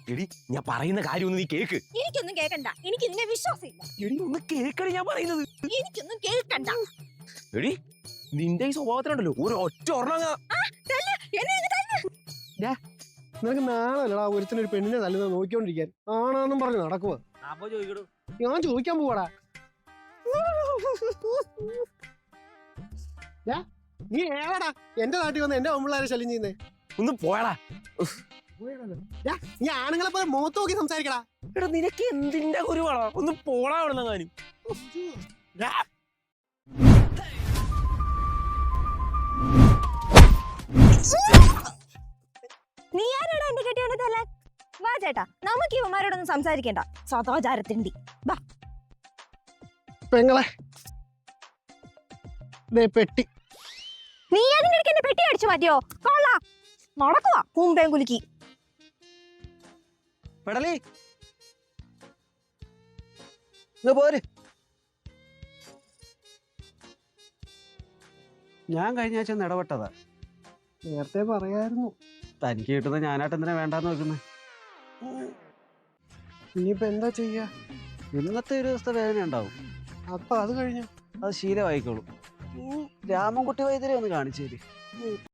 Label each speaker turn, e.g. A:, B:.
A: എടി ഞാൻ പറയുന്ന കാര്യം ഒന്ന് നീ കേക്ക്.
B: എനിക്കൊന്നും കേൾക്കണ്ട, എനിക്ക് നിന്നെ വിശ്വാസമില്ല.
A: എടി ഒന്ന് കേക്കടി ഞാൻ പറയുന്നത്.
B: എനിക്കൊന്നും കേൾക്കണ്ട.
A: എടി നിന്റെ ഈ സ്വഭാവത്തിനുണ്ടല്ലോ ഒരു ഒറ്റ ഒരെണ്ണം.
C: നിനക്ക് നാളല്ലടാ ഒരുത്തിനൊരു പെണ്ണിനെ തല്ലുന്നത് നോക്കിക്കൊണ്ടിരിക്കാൻ. ആണാന്നും പറഞ്ഞു നടക്കുക. ഞാൻ ചോദിക്കാൻ പോവാടാ. നീ ഏടാ എന്റെ നാട്ടിൽ വന്ന് എന്റെ പെമ്പിള്ളാരെ ശല്യം ചെയ്യുന്നേ?
A: ഒന്ന് പോയടാ.
C: നീ ആണുങ്ങളെ പോലെ മുഖത്ത് നോക്കി സംസാരിക്കടാ.
A: എടാ നിനക്ക് എന്തിന്റെ കുരുവാടാ? ഒന്ന് പോടാ അവിടുന്ന് കാര്യം.
B: നീ ആരാടാ എന്റെ കെട്ടിയോണ്ട് തല്ലാൻ? വാ ചേട്ടാ, നമുക്ക് ഇവന്മാരോടൊന്നും സംസാരിക്കണ്ട. സദാചാരത്തിണ്ടി വാ.
C: പെങ്ങളെ പെട്ടി.
B: നീ അതിനിടയ്ക്ക് എന്റെ പെട്ടി അടിച്ചു മാറ്റിയോ? കൊള്ളാ നടക്കുവാ കുമ്പേം കുലുക്കി.
C: പെടലി പോര്.
D: ഞാൻ കഴിഞ്ഞ ആഴ്ച ഇടപെട്ടതാ.
C: നേരത്തെ പറയായിരുന്നു.
D: തനിക്ക് കിട്ടുന്ന ഞാനായിട്ട് എന്തിനാ വേണ്ടാന്ന് വെക്കുന്നത്?
C: ഇനിയിപ്പോ എന്താ ചെയ്യാ?
D: ഇന്നത്തെ ഒരു ദിവസത്തെ വേദന ഉണ്ടാവും.
C: അപ്പൊ അത് കഴിഞ്ഞു
D: അത് ശീലമായിക്കോളും. രാമൻകുട്ടി വൈദ്യരെ ഒന്ന് കാണിച്ചേര്.